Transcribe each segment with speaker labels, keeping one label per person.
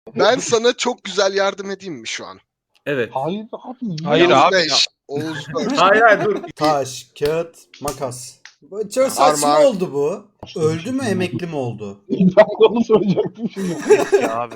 Speaker 1: Ben sana çok güzel yardım edeyim mi şu an?
Speaker 2: Evet.
Speaker 3: Hayır abi.
Speaker 4: Hayır
Speaker 1: Yavuz
Speaker 4: abi.
Speaker 1: 5, Oğuz 4.
Speaker 2: Hayır dur.
Speaker 5: Taş, kağıt, makas. Çok saçma
Speaker 1: Armağan.
Speaker 5: oldu bu. Öldü mü, emekli mi oldu?
Speaker 3: Ben de onu soracaktım şimdi.
Speaker 4: Ya abi.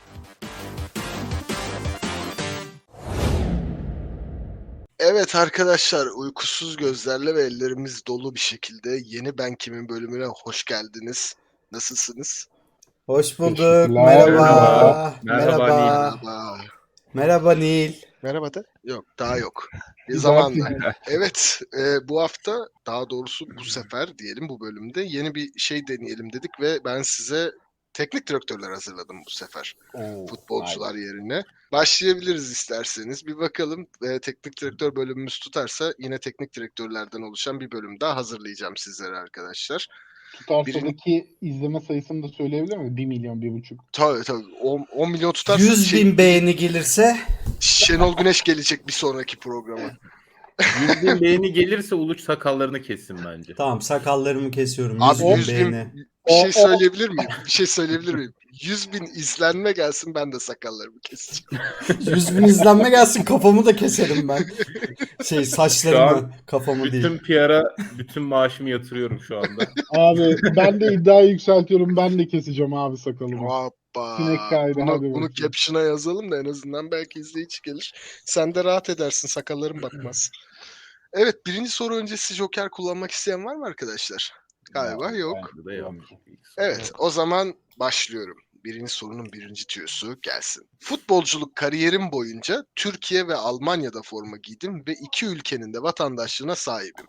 Speaker 1: Evet arkadaşlar, uykusuz gözlerle ve ellerimiz dolu bir şekilde yeni Ben Kim'in bölümüne hoş geldiniz. Nasılsınız?
Speaker 5: Hoş bulduk.
Speaker 3: Teşekkürler.
Speaker 5: Merhaba.
Speaker 2: Merhaba,
Speaker 5: Merhaba.
Speaker 1: Merhaba.
Speaker 5: Merhaba Nil.
Speaker 1: Merhaba da? Yok, daha yok. Bir
Speaker 3: Bir
Speaker 1: zamanla.
Speaker 3: dahaki-
Speaker 1: Evet, bu hafta, daha doğrusu bu sefer diyelim, bu bölümde yeni bir şey deneyelim dedik ve ben size teknik direktörler hazırladım bu sefer.
Speaker 3: Oo,
Speaker 1: Futbolcular yerine. Başlayabiliriz isterseniz. Bir bakalım, teknik direktör bölümümüz tutarsa yine teknik direktörlerden oluşan bir bölüm daha hazırlayacağım sizlere arkadaşlar.
Speaker 3: Tutarsadaki izleme sayısını da söyleyebilir mi? 1 milyon, 1,5.
Speaker 1: Tabii 10 milyon tutarsa
Speaker 5: 100 bin beğeni gelirse
Speaker 1: Şenol Güneş gelecek bir sonraki programa.
Speaker 2: 100 bin beğeni gelirse Uluç sakallarını kessin bence.
Speaker 5: tamam, sakallarımı kesiyorum.
Speaker 1: Abi
Speaker 5: 100 bin
Speaker 1: 100 bin
Speaker 5: beğeni.
Speaker 1: bir şey söyleyebilir miyim? Bir şey söyleyebilir miyim? 100 bin izlenme gelsin, ben de sakallarımı keseceğim.
Speaker 5: 100 bin izlenme gelsin, kafamı da keserim ben.
Speaker 2: Şu
Speaker 5: Saçlarımı,
Speaker 2: an
Speaker 5: kafamı
Speaker 2: Bütün
Speaker 5: değil.
Speaker 2: PR'a bütün maaşımı yatırıyorum şu anda.
Speaker 3: Abi ben de iddiayı yükseltiyorum. Ben de keseceğim abi sakalımı.
Speaker 1: Hoppa.
Speaker 3: Sinek kaydı, hadi
Speaker 1: Bunu
Speaker 3: bakayım.
Speaker 1: caption'a yazalım da en azından belki izleyici gelir. Sen de rahat edersin, sakalların batmaz. Evet, birinci soru öncesi Joker kullanmak isteyen var mı arkadaşlar? Galiba yok.
Speaker 2: Bende de yok.
Speaker 1: Evet, o zaman başlıyorum. Birinci sorunun birinci tüyosu gelsin. Futbolculuk kariyerim boyunca Türkiye ve Almanya'da forma giydim ve iki ülkenin de vatandaşlığına sahibim.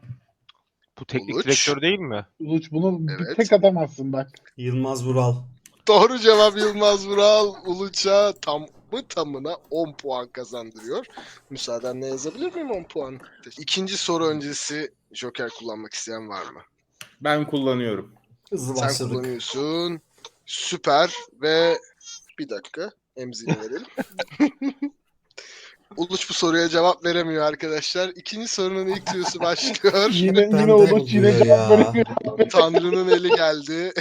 Speaker 4: Bu teknik
Speaker 1: Uluç.
Speaker 4: direktör değil mi?
Speaker 3: Uluç bunu bir
Speaker 1: Evet.
Speaker 3: tek atamazsın bak.
Speaker 5: Yılmaz Vural.
Speaker 1: Doğru cevap Yılmaz Vural. Uluç'a tamına 10 puan kazandırıyor. Müsaadenle yazabilir miyim 10 puan? İkinci soru öncesi Joker kullanmak isteyen var mı?
Speaker 2: Ben kullanıyorum.
Speaker 5: Hızlı
Speaker 1: Sen
Speaker 5: başladık.
Speaker 1: kullanıyorsun. Süper ve bir dakika emzini verelim. Uluç bu soruya cevap veremiyor arkadaşlar. İkinci sorunun ilk tüyosu başlıyor.
Speaker 3: Yine
Speaker 5: Benden
Speaker 3: Uluç yine
Speaker 5: oluyor
Speaker 3: cevap
Speaker 5: ya.
Speaker 3: veremiyor.
Speaker 1: Tanrı'nın eli geldi.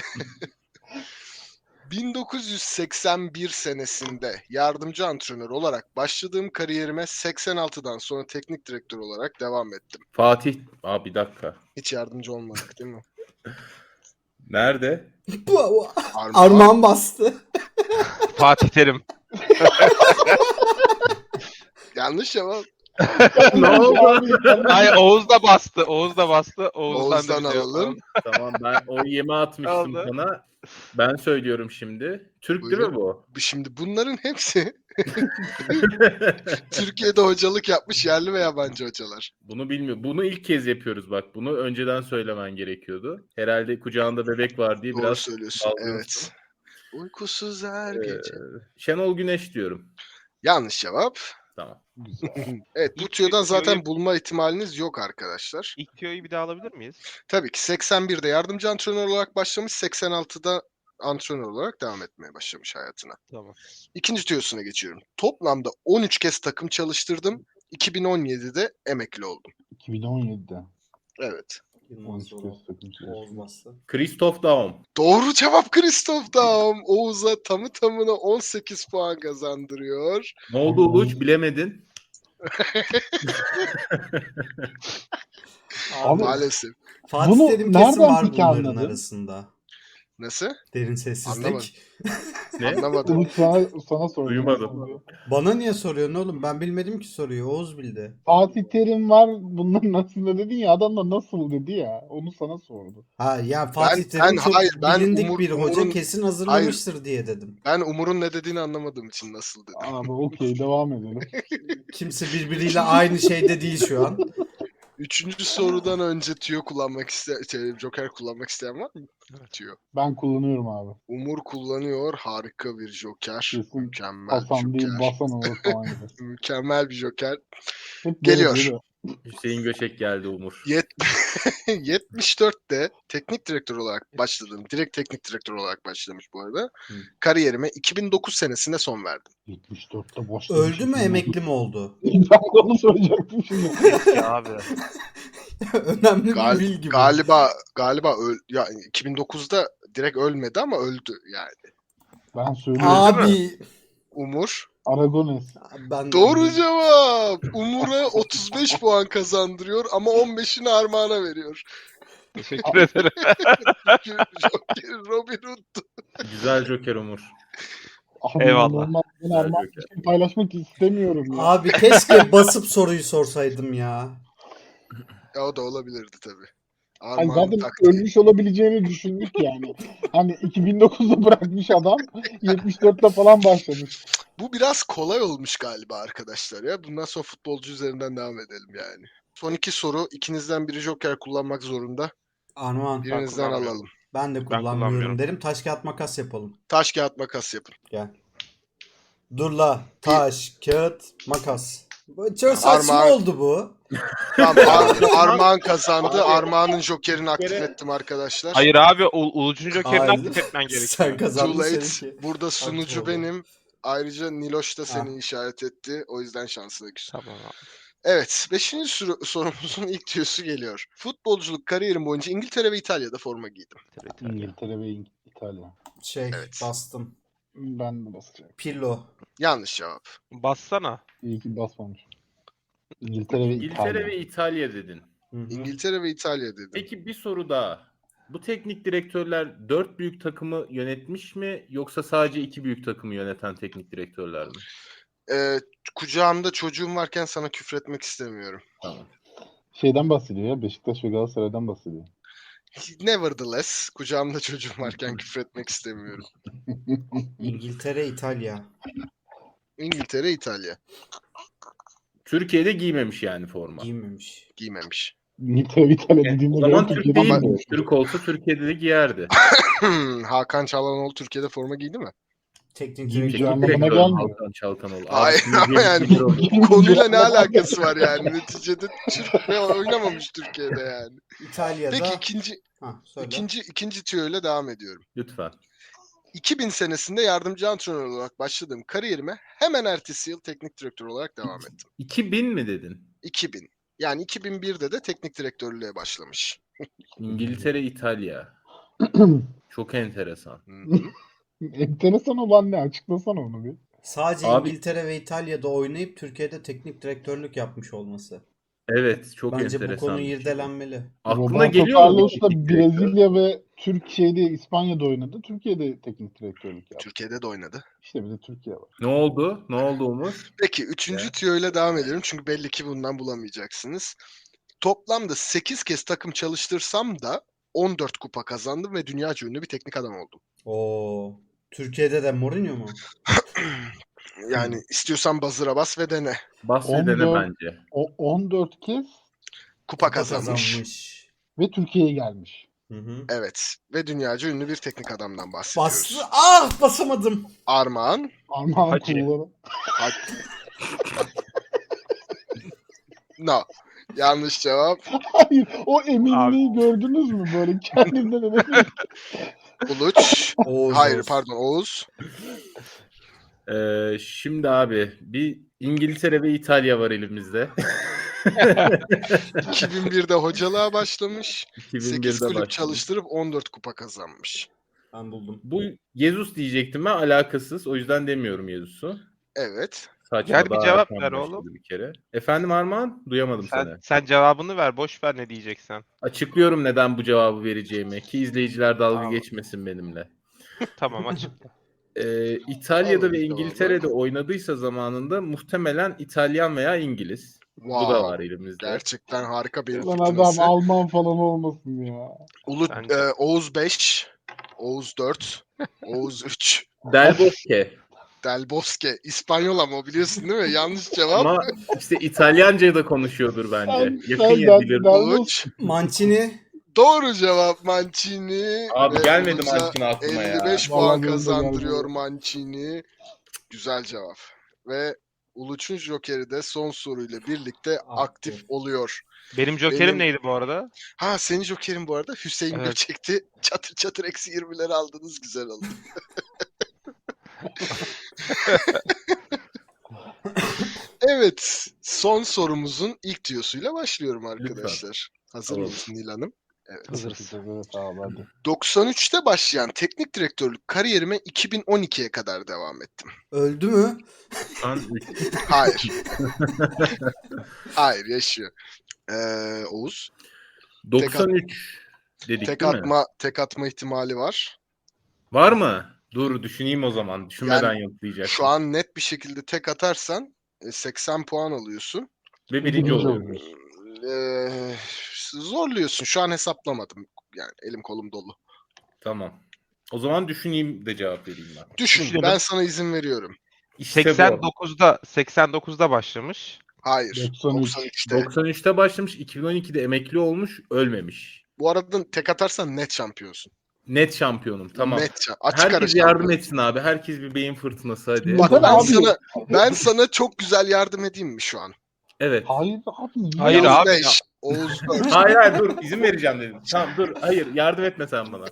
Speaker 1: 1981 senesinde yardımcı antrenör olarak başladığım kariyerime 86'dan sonra teknik direktör olarak devam ettim.
Speaker 2: Fatih. Bir dakika.
Speaker 1: Hiç yardımcı olmadık değil mi?
Speaker 2: Nerede?
Speaker 5: Armağan bastı.
Speaker 4: Fatih Terim.
Speaker 1: Yanlış cevap.
Speaker 2: Ne oldu?
Speaker 4: Hayır, Oğuz da bastı. Oğuz da bastı.
Speaker 1: Oğuz'dan
Speaker 4: da bir şey
Speaker 1: alalım.
Speaker 2: Tamam, ben o yeme atmıştım
Speaker 4: Oldu.
Speaker 2: sana. Ben söylüyorum şimdi. Türk değil
Speaker 1: Buyurun.
Speaker 2: mi bu?
Speaker 1: Şimdi bunların hepsi Türkiye'de hocalık yapmış yerli ve yabancı hocalar.
Speaker 2: Bunu bilmiyorum. Bunu ilk kez yapıyoruz bak. Bunu önceden söylemen gerekiyordu. Herhalde kucağında bebek var diye
Speaker 1: Doğru
Speaker 2: biraz
Speaker 1: söylüyorsun.
Speaker 2: dalgınsın.
Speaker 1: Evet. Uykusuz her
Speaker 2: Ee,
Speaker 1: gece.
Speaker 2: Şenol Güneş diyorum.
Speaker 1: Yanlış cevap.
Speaker 2: Tamam.
Speaker 1: Evet, bu
Speaker 4: İlk
Speaker 1: tüyodan zaten
Speaker 4: tüyoyu-
Speaker 1: bulma ihtimaliniz yok arkadaşlar.
Speaker 4: İlk tüyoyu bir daha alabilir miyiz?
Speaker 1: Tabii ki 81'de yardımcı antrenör olarak başlamış, 86'da antrenör olarak devam etmeye başlamış hayatına.
Speaker 4: Tamam.
Speaker 1: İkinci tüyosuna geçiyorum. Toplamda 13 kez takım çalıştırdım. 2017'de emekli oldum.
Speaker 3: 2017'de.
Speaker 1: Evet.
Speaker 5: Yılmaz
Speaker 3: 13
Speaker 5: Vural.
Speaker 3: kez takım çalıştı.
Speaker 5: Oğuz bastı.
Speaker 2: Christoph Daum.
Speaker 1: Doğru cevap Christoph Daum. Oğuz'a tamına 18 puan kazandırıyor.
Speaker 2: Ne oldu Uluç? Bilemedin.
Speaker 3: Abi,
Speaker 1: Maalesef.
Speaker 5: Fatih
Speaker 3: bunu
Speaker 5: Terim
Speaker 3: nereden
Speaker 5: kesin var
Speaker 3: peki
Speaker 5: bunların
Speaker 3: anladın?
Speaker 5: arasında.
Speaker 1: Nasıl?
Speaker 5: Derin sessizlik.
Speaker 1: Anlamadım.
Speaker 2: Ne?
Speaker 1: Anlamadım.
Speaker 3: Uluç sana soruyor.
Speaker 2: Duymadım.
Speaker 5: Bana niye soruyorsun oğlum? Ben bilmedim ki soruyu. Oğuz bildi.
Speaker 3: Fatih Terim var bunların arasında dedin ya, adam da nasıl dedi ya, onu sana sordu.
Speaker 5: Ha ya Fatih
Speaker 1: Ben-
Speaker 5: Terim çok
Speaker 1: hayır, ben
Speaker 5: bilindik bir hoca,
Speaker 1: Umur'un-
Speaker 5: kesin hazırlamıştır diye dedim.
Speaker 1: Ben Umur'un ne dediğini anlamadığım için nasıl dedim.
Speaker 3: Abi okey, devam edelim.
Speaker 5: Kimse birbiriyle aynı şeyde değil şu an.
Speaker 1: Üçüncü sorudan önce tüyo kullanmak isteyen, Joker kullanmak isteyen var mı? Tüyo.
Speaker 3: Ben kullanıyorum abi.
Speaker 1: Umur kullanıyor. Harika bir Joker.
Speaker 3: Kesin
Speaker 1: Mükemmel bir
Speaker 3: Hasan değil
Speaker 1: Joker.
Speaker 3: Basan olur falan gibi.
Speaker 1: Mükemmel bir Joker.
Speaker 3: Hep
Speaker 1: Geliyor.
Speaker 3: böyle dedi.
Speaker 2: Hüseyin Göçek geldi Umur.
Speaker 1: 74'te teknik direktör olarak başladım. Direkt teknik direktör olarak başlamış bu arada.
Speaker 5: Hı.
Speaker 1: Kariyerime 2009 senesinde son verdim.
Speaker 3: 74'te başlamış.
Speaker 5: Öldü mü, emekli mi oldu?
Speaker 3: Ben de onu soracaktım şimdi.
Speaker 4: Ya abi.
Speaker 5: Önemli bir bilgi bu.
Speaker 1: Galiba 2009'da direkt ölmedi ama öldü yani.
Speaker 3: Ben söylüyorum.
Speaker 5: Abi.
Speaker 1: Umur.
Speaker 3: Aragones.
Speaker 5: Ben
Speaker 1: Doğru cevap. Umur'a 35 puan kazandırıyor ama 15'ini Armağan'a veriyor.
Speaker 4: Teşekkür ederim.
Speaker 1: Joker Robin Hood.
Speaker 2: Güzel Joker Umur.
Speaker 3: Abi
Speaker 4: Eyvallah.
Speaker 3: inanılmaz. Ben
Speaker 2: Güzel
Speaker 3: Armağan
Speaker 2: Joker.
Speaker 3: bir şey paylaşmak istemiyorum ya.
Speaker 5: Abi keşke basıp soruyu sorsaydım ya.
Speaker 1: Ya o da olabilirdi tabii.
Speaker 3: Hani
Speaker 1: Armağan
Speaker 3: zaten
Speaker 1: taktiği.
Speaker 3: ölmüş olabileceğini düşündük yani. Hani 2009'da bırakmış adam 74'te falan başlamış.
Speaker 1: Bu biraz kolay olmuş galiba arkadaşlar ya. Bundan sonra futbolcu üzerinden devam edelim yani. Son iki soru. İkinizden biri Joker kullanmak zorunda.
Speaker 5: Armağan.
Speaker 1: Birinizden
Speaker 4: kullanmıyorum.
Speaker 1: alalım.
Speaker 5: Ben de kullanmıyorum
Speaker 4: kullanmıyorum.
Speaker 5: derim. Taş kağıt makas yapalım.
Speaker 1: Taş kağıt makas yapın.
Speaker 5: Gel. Dur la. Taş kağıt makas. Çok saçma
Speaker 1: Armağan-
Speaker 5: oldu bu.
Speaker 1: Tamam, Armağan kazandı. Armağan'ın Joker'ini aktif ettim arkadaşlar.
Speaker 4: Hayır abi Uluç'un jokerini
Speaker 5: Hayır.
Speaker 4: aktif etmen gerekiyor.
Speaker 5: Sen
Speaker 1: Too
Speaker 5: kazandın
Speaker 1: late.
Speaker 5: seninki.
Speaker 1: Burada sunucu
Speaker 5: oldu.
Speaker 1: benim. Ayrıca Niloş da seni
Speaker 5: Ha.
Speaker 1: işaret etti. O yüzden şansına küs.
Speaker 4: Tamam abi.
Speaker 1: Evet. 5. sorumuzun ilk tüyosu geliyor. Futbolculuk kariyerim boyunca İngiltere ve İtalya'da forma giydim.
Speaker 3: İngiltere ve İtalya.
Speaker 1: Evet.
Speaker 5: Bastım.
Speaker 3: Ben de basacağım.
Speaker 5: Pirlo.
Speaker 1: Yanlış cevap.
Speaker 4: Bassana.
Speaker 3: İyi ki basmamış. İngiltere ve
Speaker 2: İngiltere
Speaker 3: İtalya.
Speaker 2: ve İtalya dedin.
Speaker 5: Hı hı.
Speaker 1: İngiltere ve İtalya dedim.
Speaker 2: Peki bir soru daha. Bu teknik direktörler 4 büyük takımı yönetmiş mi yoksa sadece 2 büyük takımı yöneten teknik direktörler mi?
Speaker 1: Kucağımda çocuğum varken sana küfretmek istemiyorum.
Speaker 2: Tamam.
Speaker 3: Şeyden bahsediyor ya. Beşiktaş ve Galatasaray'dan bahsediyor.
Speaker 1: Nevertheless, kucağımda çocuğum varken küfretmek istemiyorum.
Speaker 5: İngiltere, İtalya.
Speaker 1: İngiltere, İtalya.
Speaker 2: Türkiye'de giymemiş yani forma.
Speaker 5: Giymemiş.
Speaker 1: Giymemiş.
Speaker 3: İngiltere ve İtalya
Speaker 2: O
Speaker 3: dediğimde
Speaker 2: zaman
Speaker 3: göre
Speaker 2: Türk
Speaker 3: Türkiye'den
Speaker 2: değil mi?
Speaker 3: bahsediyor.
Speaker 2: Türk olsa Türkiye'de de giyerdi.
Speaker 1: Hakan Çalhanoğlu Türkiye'de forma giydi mi?
Speaker 5: Teknik
Speaker 3: Giymiş
Speaker 5: direktör.
Speaker 3: anlamına
Speaker 2: Direktör
Speaker 3: gelmiyor.
Speaker 2: Hakan Çalhanoğlu.
Speaker 1: Hayır,
Speaker 2: Abi,
Speaker 1: ama yani
Speaker 2: bilir onu.
Speaker 1: konuyla ne alakası var yani? Neticede Türk ve oynamamış Türkiye'de yani.
Speaker 5: İtalya'da.
Speaker 1: Peki ikinci
Speaker 5: Söyle.
Speaker 1: ikinci tüyoyla devam ediyorum.
Speaker 2: Lütfen.
Speaker 1: 2000 senesinde yardımcı antrenör olarak başladığım kariyerime hemen ertesi yıl teknik direktör olarak devam ettim.
Speaker 2: 2000 mi dedin?
Speaker 1: 2000. Yani 2001'de de teknik direktörlüğe başlamış.
Speaker 2: İngiltere, İtalya. Çok enteresan.
Speaker 1: Hı hı.
Speaker 3: Enteresan olan ne? Açıklasana onu bir.
Speaker 5: Sadece
Speaker 2: Abi-
Speaker 5: İngiltere ve İtalya'da oynayıp Türkiye'de teknik direktörlük yapmış olması.
Speaker 2: Evet, çok
Speaker 5: Bence
Speaker 2: enteresan.
Speaker 5: bu konu
Speaker 2: bir şey.
Speaker 5: irdelenmeli.
Speaker 2: Aklına
Speaker 3: Roberto
Speaker 2: geliyor mu?
Speaker 3: Carlos
Speaker 2: bir
Speaker 3: da
Speaker 2: teknik direktör?
Speaker 3: Brezilya ve Türkiye'de, İspanya'da oynadı. Türkiye'de teknik direktörlük yaptı.
Speaker 1: Türkiye'de de oynadı.
Speaker 3: İşte bir de Türkiye var.
Speaker 2: Ne oldu? Ne oldu Umur?
Speaker 1: Peki üçüncü tüyoyla devam ediyorum çünkü belli ki bundan bulamayacaksınız. Toplamda 8 kez takım çalıştırsam da 14 kupa kazandım ve dünyaca ünlü bir teknik adam oldum.
Speaker 5: Oo. Türkiye'de de Mourinho mu?
Speaker 1: Yani istiyorsan bazıra bas ve dene.
Speaker 2: Bas ve dene
Speaker 3: 14
Speaker 2: bence.
Speaker 3: O 14 kez
Speaker 1: Kupa kazanmış.
Speaker 3: ve Türkiye'ye gelmiş.
Speaker 5: Hı hı.
Speaker 1: Evet. Ve dünyaca ünlü bir teknik adamdan bahsediyoruz.
Speaker 5: Bastı. Ah basamadım.
Speaker 1: Armağan.
Speaker 3: Armağan
Speaker 4: Hacı.
Speaker 3: kulları.
Speaker 1: No. Yanlış cevap.
Speaker 3: Hayır, o eminliği gördünüz mü böyle kendinden emin?
Speaker 1: Uluç.
Speaker 5: Oğuz,
Speaker 1: Hayır
Speaker 5: Oğuz.
Speaker 1: pardon Oğuz.
Speaker 2: Şimdi abi bir İngiltere ve İtalya var elimizde.
Speaker 1: 2001'de hocalığa başlamış. 8
Speaker 2: 2001'de
Speaker 1: kulüp
Speaker 2: başladı.
Speaker 1: çalıştırıp 14 kupa kazanmış.
Speaker 5: Ben buldum.
Speaker 2: Bu Jesus diyecektim ben, alakasız. O yüzden demiyorum Jesus'u.
Speaker 1: Evet.
Speaker 2: Saçma,
Speaker 4: Yani bir
Speaker 2: daha
Speaker 4: cevap
Speaker 2: erken
Speaker 4: ver
Speaker 2: başladı
Speaker 4: oğlum.
Speaker 2: Bir kere. Efendim Armağan? Duyamadım seni.
Speaker 4: Sen cevabını ver. Boş ver ne diyeceksen.
Speaker 2: Açıklıyorum neden bu cevabı vereceğimi ki izleyiciler dalga
Speaker 4: Tamam.
Speaker 2: geçmesin benimle.
Speaker 4: Tamam açıkla.
Speaker 2: İtalya'da
Speaker 1: Alalım
Speaker 2: ve
Speaker 1: cevabı.
Speaker 2: İngiltere'de oynadıysa zamanında muhtemelen İtalyan veya İngiliz.
Speaker 1: Wow.
Speaker 2: Bu da var elimizde.
Speaker 1: Gerçekten harika bir
Speaker 3: Lan adam
Speaker 1: fırtınası.
Speaker 3: Alman falan olmasın ya.
Speaker 4: Bence.
Speaker 1: Oğuz 5, Oğuz 4, Oğuz 3,
Speaker 2: Del Bosque.
Speaker 1: Del Bosque. İspanyol ama biliyorsun değil mi? Yanlış cevap.
Speaker 2: Ama işte İtalyanca da konuşuyordur bence.
Speaker 3: Sen
Speaker 2: Yakın ya bilir.
Speaker 1: Uluç.
Speaker 5: Mancini.
Speaker 1: Doğru cevap Mancini.
Speaker 2: Abi
Speaker 1: Ve
Speaker 2: gelmedi
Speaker 1: Uluç'a
Speaker 2: Mancini aklıma ya.
Speaker 1: 55
Speaker 3: Vallahi
Speaker 1: puan
Speaker 3: benim de
Speaker 1: kazandırıyor
Speaker 3: geldi.
Speaker 1: Mancini. Güzel cevap. Ve Uluç'un Joker'i de son soruyla birlikte aktif oluyor.
Speaker 4: Benim jokerim
Speaker 1: Benim-
Speaker 4: neydi bu arada?
Speaker 1: Ha senin Joker'in bu arada Hüseyin
Speaker 4: Evet.
Speaker 1: Göçek'ti. Çatır çatır eksi 20'leri aldınız. Güzel oldu. Evet. Son sorumuzun ilk tüyosuyla başlıyorum arkadaşlar. Hazır
Speaker 2: Alalım.
Speaker 1: mısın Nil Hanım? Evet.
Speaker 4: Hazırız.
Speaker 3: Evet abi hadi.
Speaker 1: 93'te başlayan teknik direktörlük kariyerime 2012'ye kadar devam ettim.
Speaker 5: Öldü mü?
Speaker 2: Şu an 3.
Speaker 1: Hayır. Hayır, yaşıyor. Oğuz.
Speaker 2: 93 dedik
Speaker 1: Tek
Speaker 2: değil mi?
Speaker 1: tek atma ihtimali var.
Speaker 2: Var mı? Dur düşüneyim o zaman. Düşünmeden yoklayacaksın.
Speaker 1: Şu an net bir şekilde tek atarsan 80 puan alıyorsun.
Speaker 2: Ve
Speaker 3: Birinci
Speaker 2: birinci
Speaker 3: oluyor.
Speaker 2: oluyoruz.
Speaker 1: Zorluyorsun. Şu an hesaplamadım. Yani elim kolum dolu.
Speaker 2: Tamam. O zaman düşüneyim de cevap vereyim ben.
Speaker 1: Düşün.
Speaker 4: Düşünelim.
Speaker 1: Ben sana izin veriyorum.
Speaker 2: İşte bu.
Speaker 4: 89'da başlamış.
Speaker 1: Hayır.
Speaker 3: 93.
Speaker 1: 93'te.
Speaker 2: 93'te başlamış, 2012'de emekli olmuş, ölmemiş.
Speaker 1: Bu arada tek atarsan net şampiyonsun.
Speaker 2: Net şampiyonum. Tamam.
Speaker 1: Açık ara
Speaker 2: Herkes yardım
Speaker 1: şampiyon.
Speaker 2: etsin abi. Herkes bir beyin fırtınası hadi.
Speaker 1: Bak
Speaker 3: Neden abi?
Speaker 1: ben sana çok güzel yardım edeyim mi şu an?
Speaker 2: Evet.
Speaker 3: Hayır abi. niye?
Speaker 4: Hayır
Speaker 1: Oğuz
Speaker 4: abi.
Speaker 1: 5, Oğuz 4.
Speaker 2: Hayır dur izin vereceğim dedim. Tamam dur hayır yardım etme sen bana.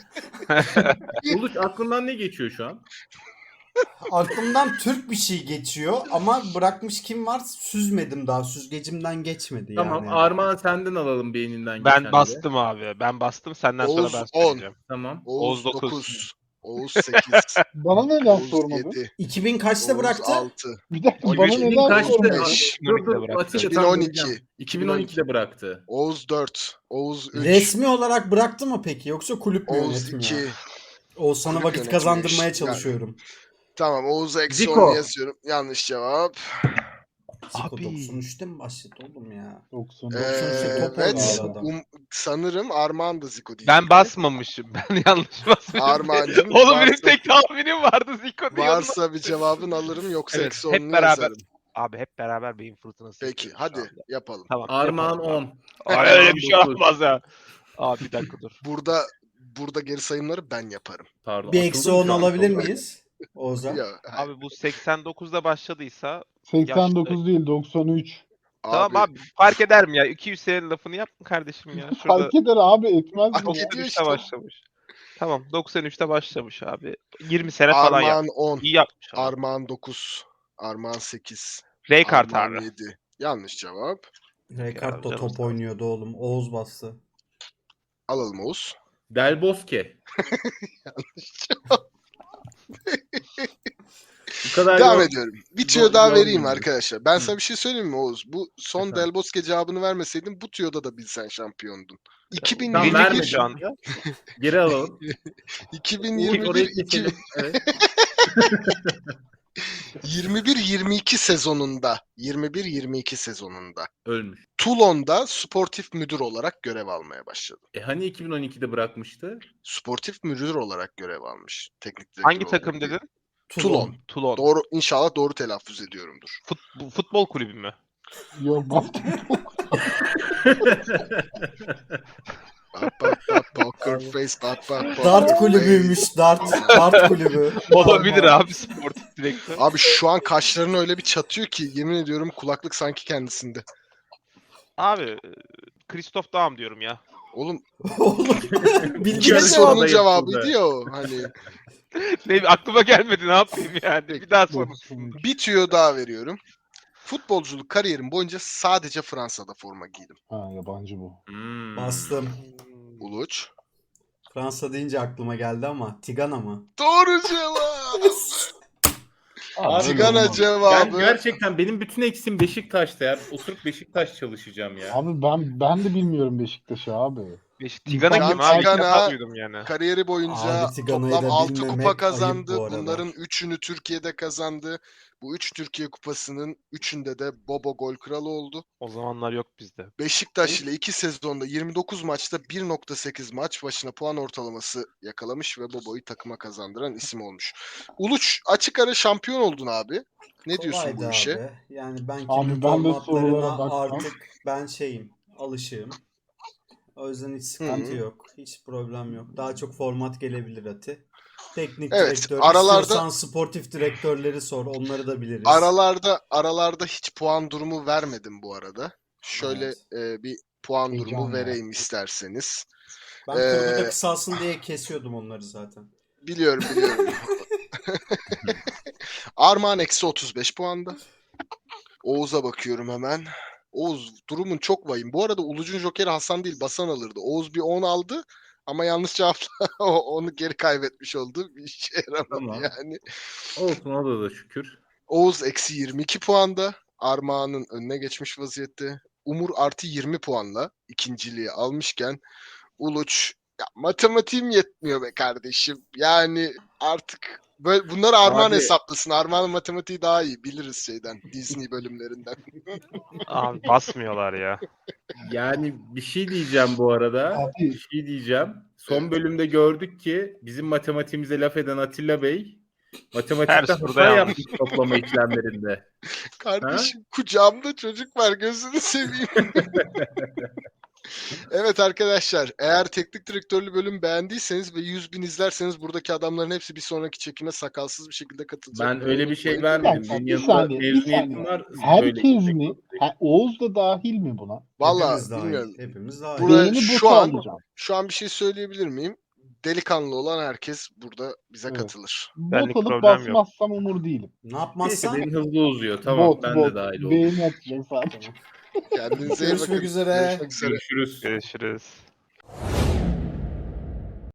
Speaker 2: Uluç aklından ne geçiyor şu an?
Speaker 5: Aklımdan Türk bir şey geçiyor ama bırakmış kim var süzmedim daha. Süzgecimden geçmedi yani.
Speaker 2: Tamam Armağan senden alalım beyninden
Speaker 4: Ben
Speaker 2: geçenleri.
Speaker 4: bastım abi. Ben bastım. Senden
Speaker 1: Oğuz
Speaker 4: sonra ben
Speaker 1: 10.
Speaker 4: söyleyeceğim.
Speaker 2: Tamam.
Speaker 1: Oğuz
Speaker 4: Oğuz
Speaker 1: 9. Oğuz 8.
Speaker 3: Bana neden
Speaker 1: Oğuz
Speaker 3: sormadın?
Speaker 1: 7.
Speaker 5: 2000 kaçta
Speaker 1: Oğuz
Speaker 5: bıraktı?
Speaker 1: 6.
Speaker 3: Bir dakika
Speaker 1: 13,
Speaker 3: bana
Speaker 2: 2000
Speaker 3: neden
Speaker 2: kaçtı?
Speaker 3: sormadın?
Speaker 1: 15.
Speaker 2: Dur dur
Speaker 4: bıraktı.
Speaker 2: Atilla tam
Speaker 1: 2012.
Speaker 2: vereceğim. 2012'de bıraktı.
Speaker 1: Oğuz 4. Oğuz 3.
Speaker 5: Resmi olarak bıraktı mı peki yoksa kulüp mü
Speaker 1: Oğuz
Speaker 5: yönetmiyor?
Speaker 1: 2.
Speaker 5: Oğuzhan'a
Speaker 1: Kulüp
Speaker 5: vakit
Speaker 1: yönetmiyor
Speaker 5: kazandırmaya
Speaker 1: işte.
Speaker 5: çalışıyorum.
Speaker 1: Tamam, Oğuz'a eksi
Speaker 2: Zico.
Speaker 1: 10 yazıyorum. Yanlış cevap.
Speaker 5: Zico
Speaker 4: Abi.
Speaker 5: 93'te mi başladı oğlum ya?
Speaker 3: 93.
Speaker 5: top
Speaker 1: Evet.
Speaker 5: oynadı adam.
Speaker 1: Sanırım Armağan da Zico diyecek.
Speaker 4: Ben basmamışım. Ben yanlış basmışım.
Speaker 1: Armağancığım,
Speaker 4: Oğlum benim
Speaker 1: varsa-
Speaker 4: tek tahminim vardı Zico diye.
Speaker 1: Varsa bir cevabın alırım, yoksa
Speaker 4: Evet,
Speaker 1: eksi
Speaker 4: hep
Speaker 1: 10'unu
Speaker 4: beraber.
Speaker 1: yazarım.
Speaker 4: Abi hep beraber beyin fırtınası.
Speaker 1: Peki
Speaker 4: yapıyoruz şu
Speaker 1: hadi
Speaker 4: anda.
Speaker 1: yapalım.
Speaker 4: Tamam.
Speaker 2: Armağan
Speaker 4: yapalım abi.
Speaker 2: 10.
Speaker 4: Ay, öyle bir şey
Speaker 2: Armağan 9.
Speaker 4: olmaz ya. Abi bir dakika dur.
Speaker 1: Burada geri sayımları ben yaparım.
Speaker 2: Pardon.
Speaker 5: Bir eksi
Speaker 2: atıldım
Speaker 5: 10
Speaker 2: şu an.
Speaker 5: alabilir miyiz? Oğuzhan.
Speaker 1: Ya,
Speaker 4: Abi bu 89'da başladıysa
Speaker 3: 89 değil 93.
Speaker 4: tamam abi fark eder mi ya? 200 senenin lafını yapma kardeşim ya. Şurada
Speaker 3: Fark eder abi etmez
Speaker 1: Fark
Speaker 3: mi ya?
Speaker 1: ediyor
Speaker 4: 93'te
Speaker 1: işte.
Speaker 4: başlamış. Tamam 93'te başlamış abi. 20 sene falan
Speaker 1: Armağan
Speaker 4: yapmış.
Speaker 1: 10.
Speaker 4: İyi yapmış abi.
Speaker 1: Armağan 9. Armağan 8.
Speaker 4: Raykart
Speaker 1: Armağan
Speaker 4: abi.
Speaker 1: 7. Yanlış cevap.
Speaker 5: Rekard da
Speaker 4: Canım
Speaker 5: top
Speaker 4: sağ ol.
Speaker 5: oynuyordu oğlum. Oğuz bastı.
Speaker 1: Alalım Oğuz.
Speaker 2: Del Bosque. Bu kadar
Speaker 1: Devam
Speaker 2: yok.
Speaker 1: ediyorum. Bir tüyo daha
Speaker 2: Yorulmuyor.
Speaker 1: vereyim arkadaşlar. Ben sana bir şey söyleyeyim mi Oğuz? Bu son
Speaker 2: Efendim?
Speaker 1: Del Bosque cevabını vermeseydin bu tüyoda da bilsen şampiyondun.
Speaker 2: Tamam,
Speaker 1: 2021
Speaker 2: verme
Speaker 4: şu anda.
Speaker 2: Geri alalım.
Speaker 1: 2021
Speaker 2: Orayı keselim. Evet.
Speaker 1: 21-22 sezonunda 21-22 sezonunda
Speaker 2: Ölmüş.
Speaker 1: Toulon'da sportif müdür olarak görev almaya başladı.
Speaker 2: Hani 2012'de bırakmıştı?
Speaker 1: Sportif müdür olarak görev almış. Teknik direktör
Speaker 4: Hangi
Speaker 1: olarak
Speaker 4: takım
Speaker 1: değil.
Speaker 4: dedin?
Speaker 1: Toulon.
Speaker 4: Toulon.
Speaker 1: Doğru, inşallah doğru telaffuz ediyorumdur.
Speaker 4: Futbol kulübü mü?
Speaker 3: Yok basketbol.
Speaker 1: Bak, poker face, bak.
Speaker 5: Dart kulübüymüş. Dart kulübü.
Speaker 4: Olabilir abi sportif direktör.
Speaker 1: Abi şu an kaşlarını öyle bir çatıyor ki yemin ediyorum kulaklık sanki kendisinde.
Speaker 4: Abi Christoph Daum diyorum ya.
Speaker 1: Oğlum
Speaker 5: Oğlum bildiğin
Speaker 1: ikinci
Speaker 2: Yarı
Speaker 5: cevap.
Speaker 1: sorunun
Speaker 2: yapıldı.
Speaker 1: cevabıydı ya o. Hani
Speaker 4: Ne aklıma gelmedi ne yapayım yani. Bir daha sor.
Speaker 1: bir tüyo daha veriyorum. Futbolculuk kariyerim boyunca sadece Fransa'da forma giydim.
Speaker 3: Ha yabancı bu.
Speaker 2: Hmm.
Speaker 5: Bastım.
Speaker 1: Uluç.
Speaker 5: Fransa deyince aklıma geldi ama Tigana mı?
Speaker 1: Doğru cevap.
Speaker 2: Abi,
Speaker 1: Tigana
Speaker 3: olmaz.
Speaker 1: cevabı.
Speaker 2: Ben gerçekten benim bütün eksim Beşiktaş'ta ya. Oturup Beşiktaş çalışacağım ya.
Speaker 3: Abi ben de bilmiyorum Beşiktaş'ı abi.
Speaker 4: Tigana
Speaker 1: Can
Speaker 4: kim abi? İlk
Speaker 1: Tigana-
Speaker 4: defa duydum yani.
Speaker 1: Kariyeri boyunca
Speaker 5: Abi Tigana'yı
Speaker 1: toplam
Speaker 5: da
Speaker 1: 6
Speaker 5: bilmemek
Speaker 1: kupa
Speaker 5: ayıp
Speaker 1: kazandı.
Speaker 5: bu arada.
Speaker 1: Bunların 3'ünü Türkiye'de kazandı. Bu 3 Türkiye kupasının 3'ünde de Bobo gol kralı oldu.
Speaker 4: O zamanlar yok bizde.
Speaker 1: Beşiktaş ile 2 sezonda 29 maçta 1.8 maç başına puan ortalaması yakalamış ve Bobo'yu takıma kazandıran isim olmuş. Uluç açık ara şampiyon oldun abi. Ne diyorsun
Speaker 5: Kolaydı
Speaker 1: bu işe?
Speaker 5: abi. Yani ben
Speaker 3: Abi
Speaker 5: kimin
Speaker 3: ben de sorulara
Speaker 5: formatlarına
Speaker 3: baktım.
Speaker 5: artık ben alışığım. O yüzden hiç sıkıntı
Speaker 1: Hı.
Speaker 5: yok. Hiç problem yok. Daha çok format gelebilir Ati. Teknik
Speaker 1: Evet,
Speaker 5: direktör,
Speaker 1: aralarda-
Speaker 5: istiyorsan sportif direktörleri sor. Onları da biliriz.
Speaker 1: Aralarda hiç puan durumu vermedim bu arada. Şöyle
Speaker 5: Evet.
Speaker 1: bir puan
Speaker 3: Heyecan
Speaker 1: durumu
Speaker 3: ya.
Speaker 1: vereyim isterseniz.
Speaker 5: Ben kurguda
Speaker 1: Ee,
Speaker 5: kısalsın diye kesiyordum onları zaten.
Speaker 1: Biliyorum. Armağan eksi 35 puanda. Oğuz'a bakıyorum hemen. Oğuz durumun çok vahim. Bu arada Uluç'un jokeri Hasan değil Basan alırdı. Oğuz bir 10 aldı ama yanlış cevapla onu geri kaybetmiş oldu. Bir işe yaramadı
Speaker 2: Tamam.
Speaker 1: yani.
Speaker 2: Olsun, o da şükür.
Speaker 1: Oğuz eksi 22 puanda. Armağan'ın önüne geçmiş vaziyette. Umur artı 20 puanla ikinciliği almışken Uluç ya matematiğim yetmiyor be kardeşim. Yani artık böyle bunları Armağan
Speaker 2: Abi-
Speaker 1: hesaplasın. Armağan'ın matematiği daha iyi. Biliriz şeyden. Disney bölümlerinden.
Speaker 4: Abi basmıyorlar ya.
Speaker 2: Yani bir şey diyeceğim bu arada.
Speaker 3: Abi.
Speaker 2: Bir şey diyeceğim. Son bölümde gördük ki bizim matematiğimize laf eden Atilla Bey matematikte
Speaker 4: Her soruda
Speaker 2: hata
Speaker 4: yanlış.
Speaker 2: yapmış toplama işlemlerinde.
Speaker 1: Kardeşim kucağımda çocuk var gözünü seveyim. Evet arkadaşlar eğer teknik direktörlü bölüm beğendiyseniz ve 100.000 izlerseniz buradaki adamların hepsi bir sonraki çekime sakalsız bir şekilde katılacak.
Speaker 2: Ben öyle bir şey
Speaker 1: Unutmayın.
Speaker 2: vermedim. Benim
Speaker 3: Bir
Speaker 2: yanımda
Speaker 3: saniye, bir
Speaker 2: mezuniyetim
Speaker 3: saniye.
Speaker 2: var.
Speaker 3: Herkes mi? Oğuz da dahil mi buna?
Speaker 1: Valla
Speaker 5: Hepimiz dahil.
Speaker 1: bilmiyorum.
Speaker 5: Hepimiz dahil.
Speaker 1: Buraya
Speaker 3: Beğeni
Speaker 1: şu
Speaker 3: botu
Speaker 1: an-
Speaker 3: alacağım.
Speaker 1: Şu an bir şey söyleyebilir miyim? Delikanlı olan herkes burada bize
Speaker 3: Evet.
Speaker 1: katılır.
Speaker 4: Benlik
Speaker 3: Bot alıp
Speaker 4: problem yok.
Speaker 3: basmazsam umur değilim.
Speaker 5: Ne
Speaker 2: Neyse
Speaker 5: yapmazsan
Speaker 2: benim hızlı uzuyor. Tamam,
Speaker 3: Bot,
Speaker 2: ben
Speaker 3: bot.
Speaker 2: de dahil oldum.
Speaker 3: Beğeni atacağım sadece.
Speaker 1: Kendinize iyi
Speaker 5: Görüşmek
Speaker 1: bakın.
Speaker 5: üzere.
Speaker 1: Görüşmek üzere.
Speaker 2: Görüşürüz.
Speaker 4: Görüşürüz.